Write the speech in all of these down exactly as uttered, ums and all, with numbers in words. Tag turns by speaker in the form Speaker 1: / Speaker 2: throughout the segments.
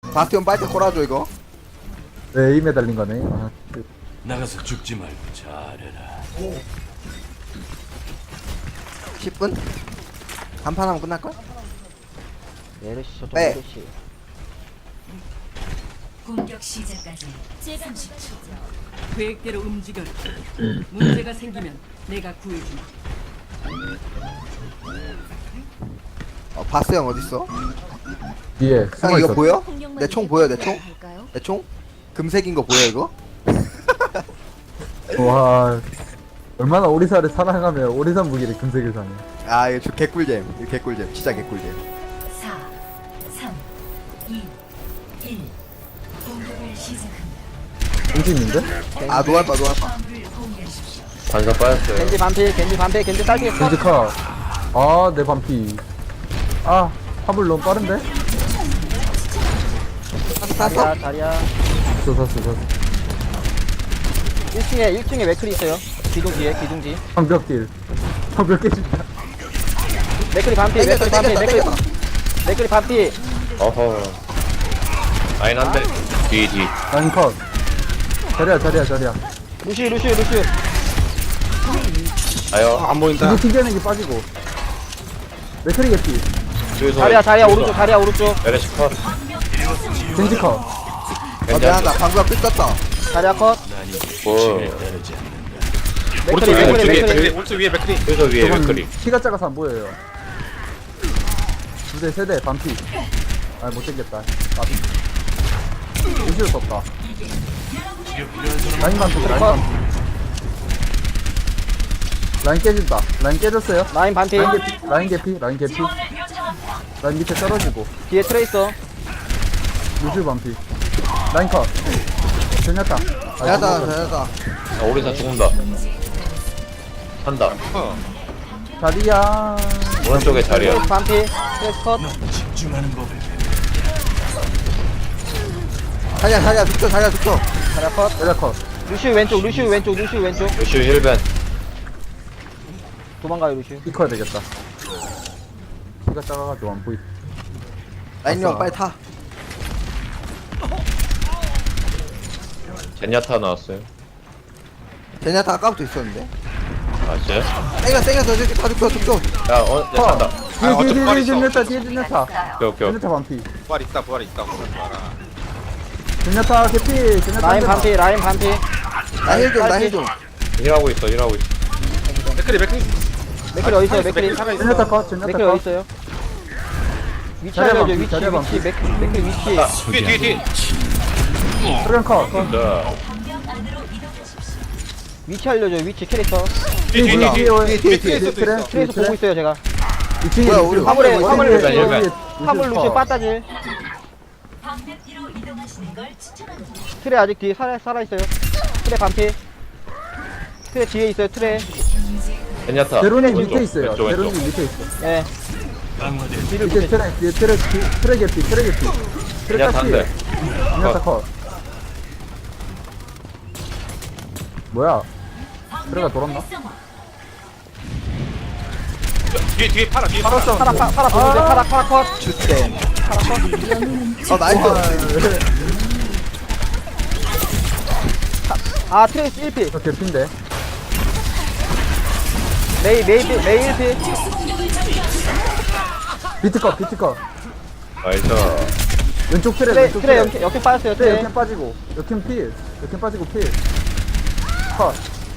Speaker 1: 바스티온 빨대 꼬라줘 이거.
Speaker 2: 네, 에임에 달린 거네. 아, 그,
Speaker 3: 나가서 죽지 말고 잘해라.
Speaker 1: 십 분? 간판 하면 끝날걸?
Speaker 4: 메르시 저쪽
Speaker 1: 네.
Speaker 4: 메르시.
Speaker 5: 공격 시작까지 삼십 초.
Speaker 6: 계획대로 움직여라. 문제가 생기면 내가 구해주마.
Speaker 1: 어, 바스 형 어딨어?
Speaker 2: 뒤에
Speaker 1: 형
Speaker 2: 숨어
Speaker 1: 이거
Speaker 2: 있어.
Speaker 1: 보여? 내 총 보여 내 총? 내 총? 금색인 거 보여 이거?
Speaker 2: 와, 얼마나 오리사를 사랑하면 오리산 무기를 금색을 사네.
Speaker 1: 아 이거 저 개꿀잼. 이거 개꿀잼. 진짜 개꿀잼.
Speaker 5: 사, 삼, 이, 일. 공격을 시작합니다.
Speaker 2: 공진인데?
Speaker 1: 아 노알바 노알바.
Speaker 5: 화물을 공유하십시오.
Speaker 7: 반사 빠졌어요.
Speaker 4: 겐지 반피 겐지 반피 겐지 딸기 컷.
Speaker 2: 겐지카. 아, 내 반피. 아, 화물 너무 빠른데?
Speaker 1: 샀어?
Speaker 4: 자리야 자리야.
Speaker 2: 샀어, 샀어, 샀어.
Speaker 4: 일 층에 일 층에 맥클이 있어요. 기둥 뒤에 기둥 뒤.
Speaker 2: 방벽 딜. 방벽 깨진다.
Speaker 4: 맥클이 반피
Speaker 1: 땡겼다
Speaker 4: 맥클이 반피
Speaker 1: 땡겼다
Speaker 4: 맥클이
Speaker 1: 땡겼다.
Speaker 4: 맥클이 반피.
Speaker 7: 어허. 라인 한 대. 뒤, 뒤.
Speaker 2: 라인 컷. 자리야, 자리야, 자리야.
Speaker 4: 루시 루시 루시.
Speaker 7: 아요. 안 보인다.
Speaker 2: 이거 튕겨내기 빠지고. 맥크리 개피.
Speaker 7: 뒤에서.
Speaker 4: 자리야 자리야 오른쪽 자리야 오른쪽.
Speaker 7: 메르시 컷.
Speaker 2: 겐지 컷.
Speaker 1: 어
Speaker 7: 괜찮아.
Speaker 1: 미안하다. 방금 삐졌다.
Speaker 4: 자리야 컷.
Speaker 3: 난이
Speaker 7: 뭐.
Speaker 3: 지에 따르지 않는다.
Speaker 4: 맥클이
Speaker 7: 오른쪽
Speaker 4: 맥클이
Speaker 7: 위에,
Speaker 4: 맥클이.
Speaker 7: 오른쪽 위에 맥크리. 뒤에서 위에
Speaker 2: 저건
Speaker 7: 맥크리.
Speaker 2: 키가 작아서 안 보여요. 두 대, 세 대, 반피. 아, 못생겼다. 나비. 의지를 썼다. 라인 반피, 라인 반피. 라인 깨진다. 라인 깨졌어요.
Speaker 4: 라인 반피.
Speaker 2: 라인 개피, 라인 개피, 라인 개피. 라인 밑에 떨어지고.
Speaker 4: 뒤에 트레이서.
Speaker 2: 루즈 반피. 라인 컷. 괜찮다. 아,
Speaker 1: 잘했다 잘했다.
Speaker 7: 아, 오리사 죽는다. 산다.
Speaker 2: 자리야.
Speaker 7: 오른쪽에 자리야.
Speaker 4: 트레이스 반피. 트레이스 컷.
Speaker 3: 집중하는 법을 배워.
Speaker 1: 자리야 자리야 죽죠 자리야 죽죠.
Speaker 4: 자리야 컷.
Speaker 2: 자리야 컷.
Speaker 4: 루시 왼쪽 루시 왼쪽 루시 왼쪽.
Speaker 7: 루슈 힐벤.
Speaker 4: 도망가요 루시.
Speaker 2: 이 커야 되겠다. 키가 작아가지고 안 보이.
Speaker 1: 라인 형 빨리 타.
Speaker 7: 젠야타 나왔어요.
Speaker 1: 제냐타 아까부터 있었는데.
Speaker 7: 아, 진짜요?
Speaker 1: 땡겨 땡겨 저기 다 죽죠 죽죠.
Speaker 7: 야, 어, 야, 산다.
Speaker 2: 뒤에, 뒤에, 뒤에, 뒤에, 젠야타, 뒤에, 젠야타.
Speaker 7: 오케이, 오케이.
Speaker 2: 젠야타 반피.
Speaker 8: 부활 있다 부활 있다 그러지 마라.
Speaker 2: 젠야타 개피. 젠야타
Speaker 4: 라인
Speaker 2: 한 대만.
Speaker 4: 반피 라인 반피.
Speaker 1: 나힐 좀 나힐 좀.
Speaker 7: 일하고 있어, 일하고 있어.
Speaker 8: 맥크리 맥크리
Speaker 4: 맥클이 어디 있어요 맥클이?
Speaker 2: 젠야타 컷, 젠야타
Speaker 4: 맥클이 어디
Speaker 2: 컷.
Speaker 4: 있어요? 위치
Speaker 2: 자리야
Speaker 4: 알려줘
Speaker 2: 반피,
Speaker 4: 위치
Speaker 2: 자리야
Speaker 4: 위치 맥 맥클 위치.
Speaker 8: 뒤에 뒤에 뒤에
Speaker 2: 소련 컷.
Speaker 7: 자,
Speaker 4: 위치 알려줘 위치 캐릭터.
Speaker 8: 뒤에 뒤에
Speaker 1: 몰라.
Speaker 8: 뒤에
Speaker 1: 뒤에 뒤에 뒤에.
Speaker 8: 뒤에
Speaker 2: 트레,
Speaker 8: 있어.
Speaker 4: 트레이서 보고 있어요 제가.
Speaker 2: 이 층에
Speaker 1: 뭐야, 우리
Speaker 4: 화물에 화물
Speaker 7: 일반,
Speaker 4: 루시
Speaker 7: 일반.
Speaker 4: 화물 루시 빠따질.
Speaker 5: 방벽 뒤로 이동하시는 걸 추천합니다.
Speaker 4: 트레 아직 뒤에 살아 살아 있어요. 트레 반피. 트레 뒤에 있어요 트레.
Speaker 7: 젠야타.
Speaker 2: 제로님
Speaker 7: 왼쪽,
Speaker 2: 밑에 있어요.
Speaker 7: 왼쪽, 왼쪽.
Speaker 2: 제로님 밑에 있어.
Speaker 4: 예.
Speaker 3: 강화된
Speaker 2: 뒤에 트레, 뒤에 트레, 뒤- 트레 개피, 트레 개피. 트레
Speaker 7: 젠야타 한
Speaker 2: 까시.
Speaker 7: 대.
Speaker 2: 젠야타 컷. 뭐야? 트레가 돌았나?
Speaker 8: 뒤에 뒤에 팔아 뒤에
Speaker 2: 팔았어.
Speaker 4: 파라 파- 파라 보는데 파라 파라 컷.
Speaker 1: 주댐. 어 나이스.
Speaker 4: 아 트레이스 일 피.
Speaker 2: 저 개피인데.
Speaker 4: 메이 메이 피 메이 일 피.
Speaker 2: 비트 컷, 비트 컷.
Speaker 7: 나이스.
Speaker 2: 왼쪽 트레,
Speaker 4: 트레
Speaker 2: 왼쪽
Speaker 4: 트레
Speaker 2: 트레.
Speaker 4: 역행 역행 빠졌어요
Speaker 2: 트레
Speaker 4: 트레.
Speaker 2: 역행 빠지고. 역행 필. 역행 빠지고 필. 컷.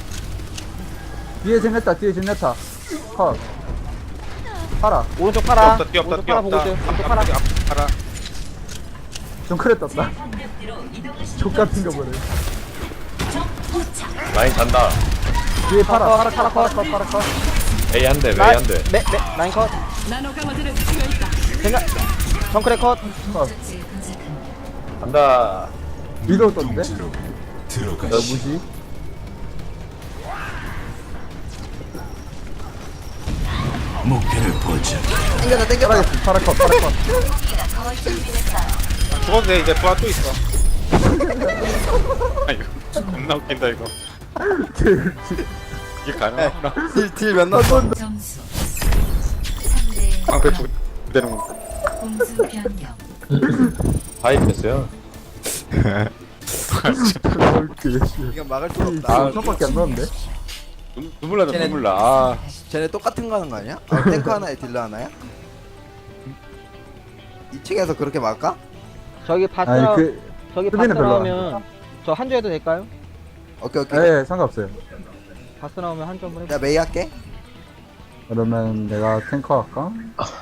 Speaker 2: 뒤에 젠야타, 뒤에 젠야타. 컷. 팔아.
Speaker 4: 오른쪽 파라.
Speaker 8: 뛰었다 뛰었다
Speaker 4: 오른쪽 파라 보고
Speaker 8: 뛰었다.
Speaker 4: 있어요. 오른쪽 파라.
Speaker 8: 팔아
Speaker 2: 좀 크레 떴다.
Speaker 5: 방벽 뒤로 이동하시는
Speaker 2: 족 같은 거 보네.
Speaker 7: 라인 잔다.
Speaker 2: 뒤에 팔아, 팔아, 팔아, 팔아, 컷, 팔아, 컷.
Speaker 7: A 한 대, 메이
Speaker 4: 라인
Speaker 7: 한 대.
Speaker 4: 메 메 라인 컷.
Speaker 6: 나노 강화제를 수가 있다.
Speaker 4: 생각. 정크레 컷.
Speaker 2: 컷.
Speaker 7: 간다.
Speaker 2: 위로 떴는데?
Speaker 3: 들어
Speaker 2: 야,
Speaker 3: 들어가시.
Speaker 2: 뭐지?
Speaker 3: 목표를 포착.
Speaker 1: 땡겼다 땡겼다.
Speaker 2: 팔아, 팔아, 컷, 팔아, 컷.
Speaker 8: 죽었네 이제 부활 또 있어. 아이고 겁나 웃긴다 이거. 이게 가능하구나.
Speaker 1: 딜딜몇 넣었어?
Speaker 5: 점수 삼 대
Speaker 8: 방패 죽 되는 거.
Speaker 5: 공수 변경.
Speaker 7: 파이프했어요.
Speaker 1: 이건 막을 수가 없다.
Speaker 2: 아, 밖에 안 나왔는데?
Speaker 8: 눈- 눈물 나다
Speaker 1: 쟤네-
Speaker 8: 눈물 나. 아,
Speaker 1: 쟤네 똑같은 거 하는 거 아니야? 아, 탱크 하나에 딜러 하나야? 이 층에서 그렇게 막을까?
Speaker 4: 저기 바스
Speaker 2: 아니,
Speaker 4: 나
Speaker 2: 그,
Speaker 4: 저기 바스
Speaker 2: 수비는 별로 안
Speaker 4: 나오면 저 한 줄 해도 될까요?
Speaker 1: 오케이 오케이.
Speaker 2: 예, 상관없어요.
Speaker 4: 바스 나오면 한 줄 한번 해볼게요.
Speaker 1: 야 메이 할게.
Speaker 2: 그러면 내가 탱커 할까?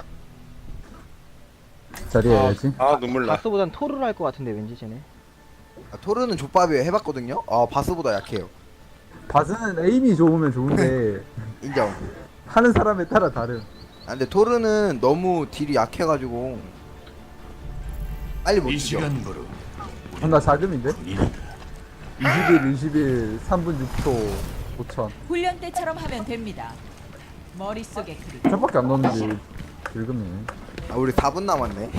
Speaker 2: 자리에 해야지.
Speaker 8: 아 눈물 나.
Speaker 4: 바스보단 토르를 할 것 같은데 왠지 쟤네.
Speaker 1: 아, 토르는 족밥이에요. 해봤거든요. 아 바스보다 약해요.
Speaker 2: 바스는 에임이 좋으면 좋은데
Speaker 1: 인정.
Speaker 2: 하는 사람에 따라 다름.
Speaker 1: 아 근데 토르는 너무 딜이 약해가지고 빨리 못
Speaker 3: 이
Speaker 1: 죽여.
Speaker 3: 시간부로
Speaker 2: 아, 나 자금인데?
Speaker 3: 군인이다.
Speaker 2: 이십일, 이십일, 삼 분 육 초, 오천.
Speaker 6: 훈련 때처럼 하면 됩니다. 머릿속에 그리
Speaker 2: 천밖에 안 넣었는데 긁으네.
Speaker 1: 아 우리 사 분 남았네.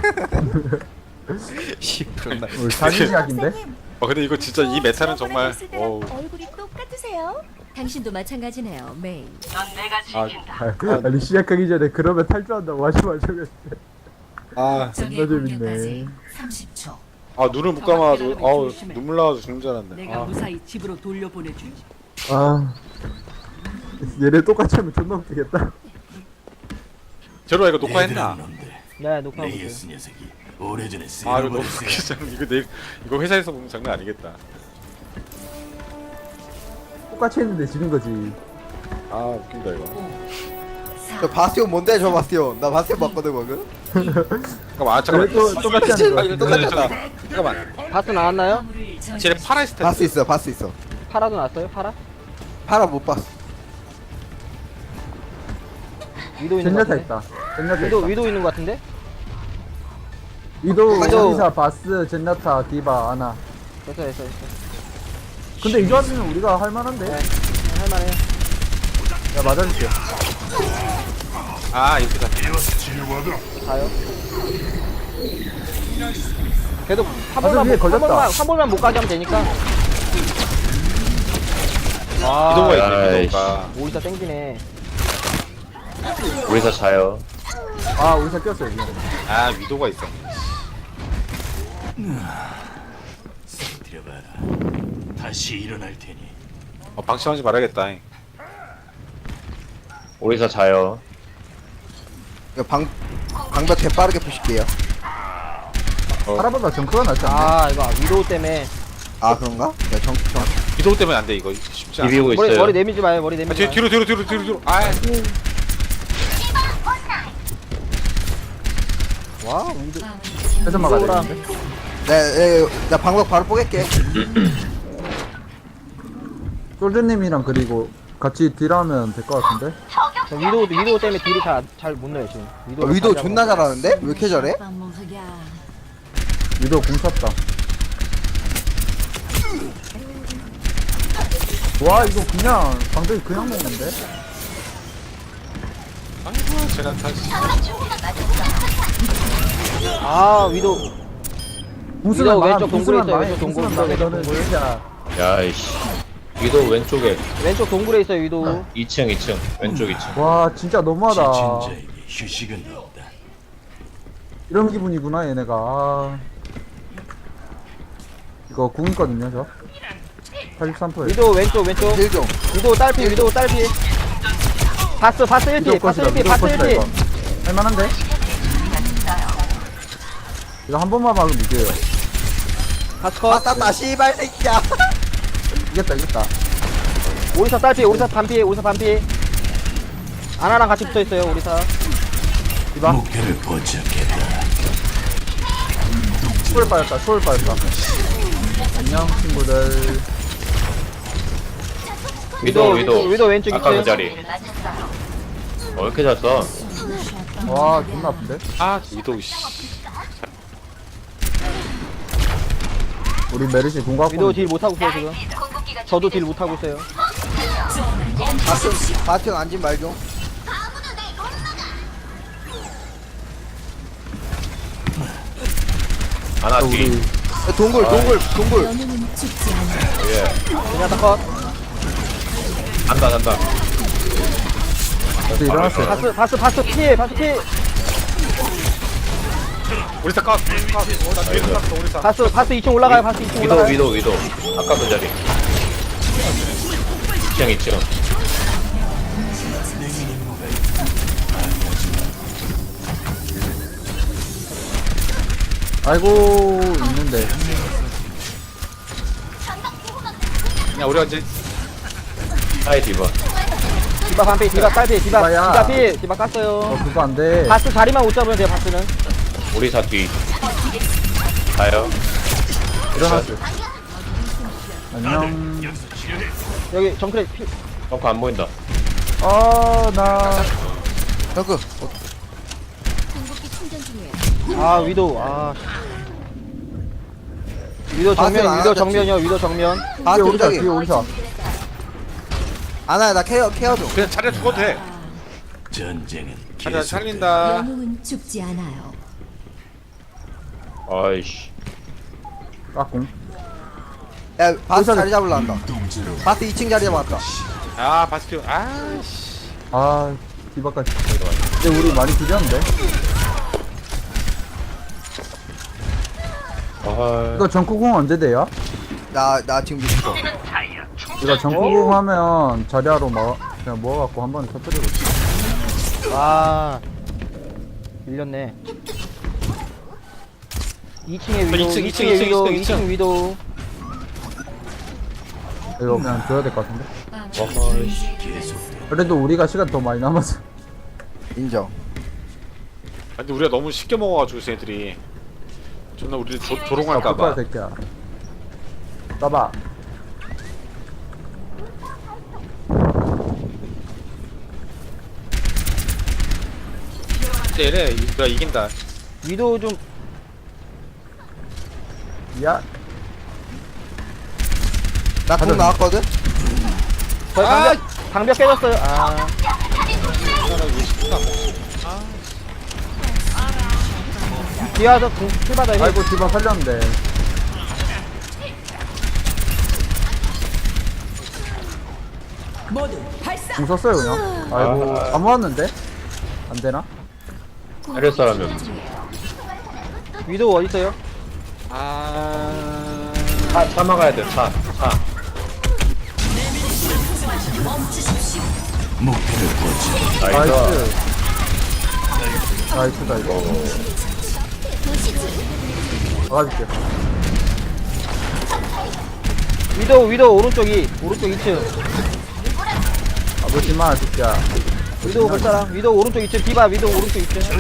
Speaker 1: 씨 그런다.
Speaker 2: 우리 사진 시작인데?
Speaker 8: 어 근데 이거 진짜 이 메타는 정말. 어우.
Speaker 5: 얼굴이 똑같으세요? 당신도 마찬가지네요, 메이.
Speaker 8: 아,
Speaker 2: 아, 아니 시작하기 전에 그러면 탈주한다고 하지 마셔.
Speaker 8: 아,
Speaker 2: 존나 재밌네.
Speaker 5: 삼십 초.
Speaker 8: 아 눈을 못 감아도 아우 눈물 나와서 죽는 줄 알았네.
Speaker 6: 내가
Speaker 8: 아,
Speaker 6: 무사히 집으로 돌려보내주지.
Speaker 2: 아, 얘네 똑같이 하면 존나 웃기겠다.
Speaker 8: 제로야 이거 녹화했나?
Speaker 4: 네, 녹화하고 있어요.
Speaker 3: 레이스 녀석이 오래전에
Speaker 8: 아 이거 너무
Speaker 3: 쓸어버렸어요.
Speaker 8: 웃기잖아. 이거 내 이거 회사에서 보면 장난 아니겠다.
Speaker 2: 똑같이 했는데 지는 거지.
Speaker 8: 아 웃긴다 이거.
Speaker 1: 저 바스티온 뭔데 저 바스티온? 나 바스티온 봤거든 방금.
Speaker 8: 잠깐만 아,
Speaker 2: 왜
Speaker 8: 잠깐만.
Speaker 2: 또 똑같이 하는
Speaker 8: 아
Speaker 2: 거야?
Speaker 8: 이거 똑같았다. 잠깐만.
Speaker 4: 바스 나왔나요?
Speaker 8: 쟤네 파라 스탠드.
Speaker 1: 바스 있어 바스 있어.
Speaker 4: 파라도 나왔어요? 파라?
Speaker 1: 파라 못 봤어.
Speaker 4: 위도 있는 것
Speaker 2: 젠야타
Speaker 4: 같은데?
Speaker 2: 있다. 젠야타
Speaker 4: 위도
Speaker 2: 있다.
Speaker 4: 위도 있는 것 같은데?
Speaker 2: 위도,
Speaker 4: 위도.
Speaker 2: 이사, 바스, 젠야타, 디바, 아나.
Speaker 4: 됐어 됐어 됐어.
Speaker 2: 근데 이 조합이면 우리가 할만한데?
Speaker 4: 네. 할만해요.
Speaker 2: 야, 맞아줄게.
Speaker 8: 아 이렇게 다.
Speaker 4: 가요. 계속 한
Speaker 2: 바스
Speaker 4: 번만
Speaker 2: 위에
Speaker 4: 못- 한
Speaker 2: 걸렸다.
Speaker 4: 번만 한 번만 못 가게 하면 되니까. 아,
Speaker 8: 이동가 있네
Speaker 7: 아이씨.
Speaker 8: 이동가.
Speaker 4: 오리사 땡기네.
Speaker 7: 우리사 자요.
Speaker 2: 아, 우리 사 꼈어, 여기.
Speaker 8: 아 위도가 있어.
Speaker 3: 들여봐라. 다시 일어날 테니.
Speaker 8: 어 방심하지 말아야겠다.
Speaker 7: 우리사 자요.
Speaker 1: 이거 방 방벽 개 빠르게 푸실게요.
Speaker 2: 파라보다 정크가 낫지 않나?
Speaker 4: 아 이거 위도 때문에
Speaker 1: 아 그런가? 야 정, 정.
Speaker 8: 위도 때문에 안 돼 이거 쉽지 않아.
Speaker 7: 비비고
Speaker 4: 머리
Speaker 7: 있어요.
Speaker 4: 머리 내밀지 마요. 머리
Speaker 8: 아,
Speaker 4: 내밀지
Speaker 8: 뒤,
Speaker 4: 마요.
Speaker 8: 뒤로 뒤로 뒤로 뒤로 뒤로. 아
Speaker 4: 와 위도.
Speaker 2: 해서 막아야
Speaker 4: 위도랑
Speaker 2: 되는데.
Speaker 1: 네, 네, 나 방벽 바로 뽀갤게.
Speaker 2: 솔드님이랑 그리고 같이 딜하면 될 것 같은데?
Speaker 4: 저 위도 위도 때문에 딜이 잘잘못 넣어요 지금.
Speaker 1: 어, 위도 존나 잘하는데? 왜 이렇게 잘해?
Speaker 2: 위도 공 찼다. 와, 이거 그냥, 방벽이 그냥 먹는데?
Speaker 8: 아이고 제가 다시.
Speaker 4: 아 위도
Speaker 2: 궁수는
Speaker 4: 위도
Speaker 2: 망,
Speaker 4: 왼쪽 동굴에
Speaker 2: 궁수는
Speaker 4: 있어요,
Speaker 2: 망해,
Speaker 4: 왼쪽 동굴,
Speaker 2: 궁수는 망해,
Speaker 4: 왼쪽
Speaker 2: 너는
Speaker 4: 동굴.
Speaker 2: 진짜.
Speaker 7: 야이씨. 위도 왼쪽에
Speaker 4: 왼쪽 동굴에 있어요 위도.
Speaker 7: 이 층 이 층 왼쪽 이 층.
Speaker 2: 와, 진짜 너무하다.
Speaker 3: 지친 자에게 휴식은 없다.
Speaker 2: 이런 기분이구나, 얘네가. 아. 이거 궁 있거든요, 저. 팔십삼 퍼센트.
Speaker 4: 위도 왼쪽 왼쪽.
Speaker 1: 딜 좀.
Speaker 4: 위도 딸피 위도 딸피. 바스 바스 일 피 바스 일 피 바스 일 피.
Speaker 2: 할만한데? 이거 한 번만 막으면 이겨요.
Speaker 4: 바스 컷.
Speaker 1: 아따따 씨발 새끼야.
Speaker 2: 이겼다, 이겼다.
Speaker 4: 오리사 딸피 오리사 반피 오리사 반피. 아나랑 같이 붙어 있어요 오리사.
Speaker 2: 이봐.
Speaker 3: 목표를 포착했다.
Speaker 2: 초월 빠졌다, 초월 빠졌다. 안녕, 친구들.
Speaker 7: 위도
Speaker 4: 위도,
Speaker 7: 위도.
Speaker 4: 위도 왼쪽
Speaker 7: 아까 그
Speaker 4: 있어요.
Speaker 7: 자리. 어, 왜 이렇게 잘 써?
Speaker 2: 와, 존나 아픈데?
Speaker 8: 아 위도 씨.
Speaker 2: 우리 메르시 공각
Speaker 4: 위도 딜 못하고 있어요 지금. 저도 딜 못하고 있어요.
Speaker 1: 바스 바스티온 앉은 말 좀.
Speaker 7: 하나 뒤.
Speaker 2: 우리
Speaker 1: 야, 동굴 동굴 동굴.
Speaker 7: 예.
Speaker 4: 그냥 다 컷.
Speaker 7: 간다 간다.
Speaker 2: 다시 일어났어요.
Speaker 4: 바스 바스 바스 피 바스 피.
Speaker 8: 우리 사 컷. 컷. 어, 나 뒤에 컷. 우리 사.
Speaker 4: 바스 바스 이 층 올라가요. 바스 이 층
Speaker 7: 위도
Speaker 4: 올라가요.
Speaker 7: 위도 위도 아까 그 자리 이 층 이 층
Speaker 2: 아이고 있는데.
Speaker 8: 야 우리가 이제
Speaker 7: 하이 디바
Speaker 4: 디바 반피 디바 딸피 디바
Speaker 2: 디바야.
Speaker 4: 디바 피 디바
Speaker 2: 어
Speaker 4: 깠어요.
Speaker 2: 그거 안 돼.
Speaker 4: 바스 자리만 못 잡으면 돼요. 바스는.
Speaker 7: 우리 사뒤 가요
Speaker 2: 일어났어. 안녕.
Speaker 4: 여기 정크레 피.
Speaker 7: 덩크 안 보인다
Speaker 2: 아 나.
Speaker 1: 저그
Speaker 4: 아 위도 아. 위도 정면
Speaker 1: 바스
Speaker 4: 위도
Speaker 1: 안
Speaker 4: 정면이요. 위도 정면.
Speaker 1: 아
Speaker 2: 뒤에 오리사
Speaker 1: 저기
Speaker 2: 뒤에 오리사.
Speaker 1: 아나야 나 케어 케어 좀
Speaker 8: 그냥 차례 죽어도 돼.
Speaker 3: 전쟁은
Speaker 8: 차례
Speaker 3: 계속
Speaker 8: 살린다.
Speaker 5: 영웅은 죽지 않아요.
Speaker 7: 아이씨
Speaker 2: 까꿍.
Speaker 1: 야 바스
Speaker 2: 오리사-
Speaker 1: 자리 잡으려 한다 바스 이 층 자리 잡았다
Speaker 8: 아 바스티온. 아씨.
Speaker 2: 아 디바까지. 근데 우리 많이 비렸는데.
Speaker 7: 아
Speaker 2: 이거 전구공 언제 돼요?
Speaker 1: 나 나 지금 미쳤어
Speaker 2: 이거 전구공 하면 자리하러 뭐 그냥 모아갖고 한 번에 터뜨리고.
Speaker 4: 와. 밀렸네. 이 층에 위도,
Speaker 7: 이 층,
Speaker 4: 이
Speaker 7: 이 층,
Speaker 4: 층에
Speaker 7: 이 층,
Speaker 4: 위도,
Speaker 7: 이 층,
Speaker 4: 이 층 위도.
Speaker 2: 이거 그냥 줘야 될 것 같은데.
Speaker 7: 아이씨
Speaker 3: 계속
Speaker 2: 그래도 우리가 시간 더 많이 남았어.
Speaker 1: 인정
Speaker 8: 근데 우리가 너무 쉽게 먹어가지고 쟤들이 존나 우리 조,
Speaker 2: 아,
Speaker 8: 조롱할까봐.
Speaker 2: 새끼야. 따봐.
Speaker 8: 얘네 우리가 이긴다.
Speaker 4: 위도 좀
Speaker 2: 야.
Speaker 1: 나공
Speaker 2: 가자.
Speaker 1: 나왔거든
Speaker 4: 저희 방벽 방벽 깨졌어요. 아. 뒤에 와서 궁 출받아 해.
Speaker 2: 아이고 디바 살렸는데.
Speaker 6: 모두 발사.
Speaker 2: 궁 썼어요 그냥. 아이고
Speaker 7: 아.
Speaker 2: 다 모았는데. 안 되나?
Speaker 7: 때릴 사람이
Speaker 4: 위도 어디 있어요?
Speaker 8: 아.
Speaker 7: 차, 차 막아야 돼차차
Speaker 3: 목표를 보지.
Speaker 7: 나이스
Speaker 2: 나이스. 나이스다 이거. 막아줄게.
Speaker 4: 위도 위도 오른쪽이 오른쪽 이 층.
Speaker 2: 아버지마 새끼야.
Speaker 4: 위도 볼 사람. 위도 오른쪽 이 층. 디바 위도 오른쪽 이 층.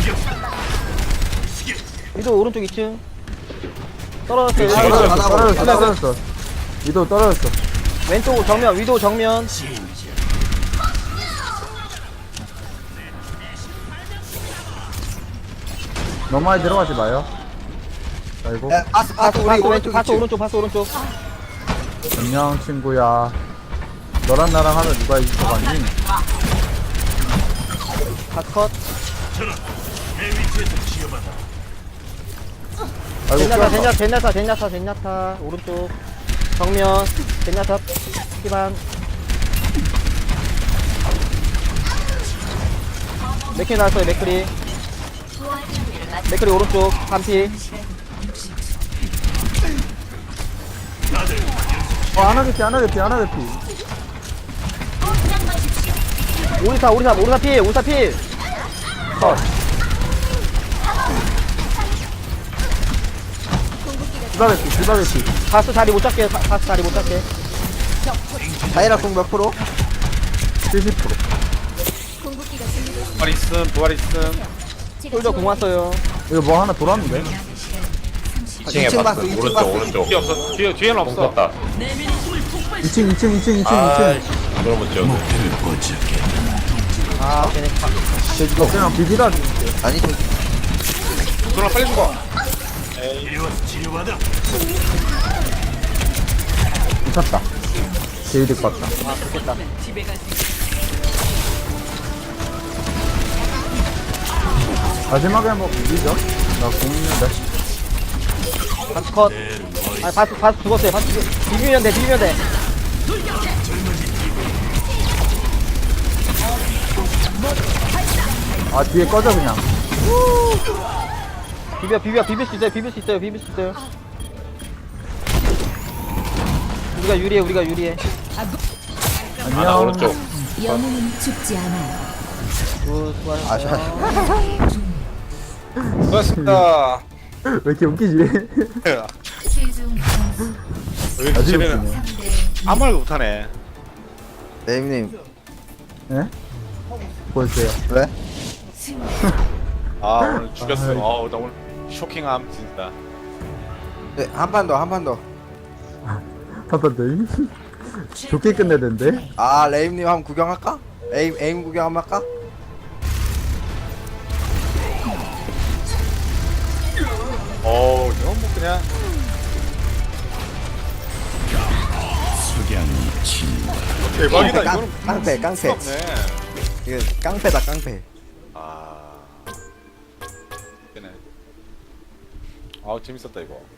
Speaker 4: 위도 오른쪽 이 층. 떨어졌어요.
Speaker 7: 위치.
Speaker 2: 떨어졌어
Speaker 1: 하나
Speaker 2: 떨어졌어
Speaker 1: 하나
Speaker 2: 떨어졌어. 위도 떨어졌어.
Speaker 4: 왼쪽 정면 위도 정면.
Speaker 2: 너무 많이 들어가지 마요. 아이고.
Speaker 1: 야 바스
Speaker 4: 파스
Speaker 1: 바스 우리
Speaker 4: 파스 왼쪽
Speaker 1: 오른쪽
Speaker 4: 파스
Speaker 1: 이 층
Speaker 4: 오른쪽 파스 오른쪽.
Speaker 2: 안녕 친구야. 너랑 나랑 하면 누가 이길 것 같니?
Speaker 4: 파스 컷.
Speaker 2: 아이고
Speaker 4: 젠야타
Speaker 2: 꼈다.
Speaker 4: 젠야타 젠야타 젠야타 젠야타 오른쪽 정면 젠야타 피반. 맥크리 나왔어요. 맥크리 맥크리 오른쪽 반피.
Speaker 2: 어 안하겠지 안하겠지 안하겠지.
Speaker 4: 오리사 오리사 오리사 필 오리사 필.
Speaker 2: 컷. 디바겠지 디바겠지.
Speaker 4: 바스 자리 못 잡게 바- 바스 자리 못 잡게.
Speaker 1: 다이라 공몇 프로?
Speaker 2: 칠십 퍼센트.
Speaker 8: 부활 있음 부활 있음.
Speaker 4: 솔저 공 왔어요.
Speaker 2: 이거 뭐 하나 돌았는데?
Speaker 7: 이 층에
Speaker 1: 이 층
Speaker 7: 봤어
Speaker 1: 봤어, 이 층
Speaker 7: 오른쪽
Speaker 1: 봤어.
Speaker 7: 오른쪽
Speaker 8: 뒤에 없어. 뒤에 뒤에는
Speaker 7: 공
Speaker 8: 없어.
Speaker 7: 썼다
Speaker 2: 이 층 이 층 이 층 이 층 이 층.
Speaker 7: 아이씨 이걸 못 지웠네
Speaker 3: 목표를 포착해.
Speaker 4: 아 쟤네 파-
Speaker 2: 이거 그냥 비비다.
Speaker 1: 아니 저기
Speaker 8: 누나 빨리 죽어.
Speaker 3: 이리 와서 치료받아.
Speaker 2: 미쳤다. 제일 될것 같다.
Speaker 4: 아 좋겠다.
Speaker 6: 집에 갈 수 있어.
Speaker 2: 마지막에 뭐 비비죠? 나 공인데.
Speaker 4: 바스 컷. 아 바스 바스 죽었어요. 바스 죽- 비비면 돼 비비면 돼.
Speaker 2: 아 뒤에 꺼져 그냥.
Speaker 4: 비벼 비벼 비빌 수 있어요 비빌 수 있어요 비빌 수 있어요 우리가 유리해 우리가 유리해
Speaker 7: 아나
Speaker 2: 안녕.
Speaker 7: 오른쪽.
Speaker 5: 영웅은 죽지 않아요.
Speaker 4: 굿
Speaker 1: 아,
Speaker 4: 수고하셨어요
Speaker 8: 수고하셨습니다.
Speaker 2: 왜 이렇게 웃기지?
Speaker 5: 최종 점수
Speaker 8: 여기
Speaker 2: 아주
Speaker 8: 쟤네는
Speaker 2: 웃기네.
Speaker 5: 삼 대
Speaker 8: 아무 말도 못하네.
Speaker 1: 레임님
Speaker 2: 예? 보였어요.
Speaker 1: 왜?
Speaker 5: 승리.
Speaker 8: 아 오늘 죽였어.
Speaker 2: 아이.
Speaker 8: 아우 나 오늘 쇼킹함 진짜.
Speaker 1: 네, 한 판 더, 한 판 더.
Speaker 2: 한번 더. 좋게 끝내야 되는데.
Speaker 1: 아, 레임님 한번 구경할까? 에임, 에임 구경 한번 할까?
Speaker 8: 어우 이건 뭐 그냥
Speaker 3: 석양이 진다.
Speaker 8: 대박이다.
Speaker 1: 깡,
Speaker 8: 이거는
Speaker 1: 깡패, 깡패.
Speaker 8: 없네.
Speaker 1: 이거 깡패다, 깡패.
Speaker 8: 아. 되네. 아우 재밌었다 이거.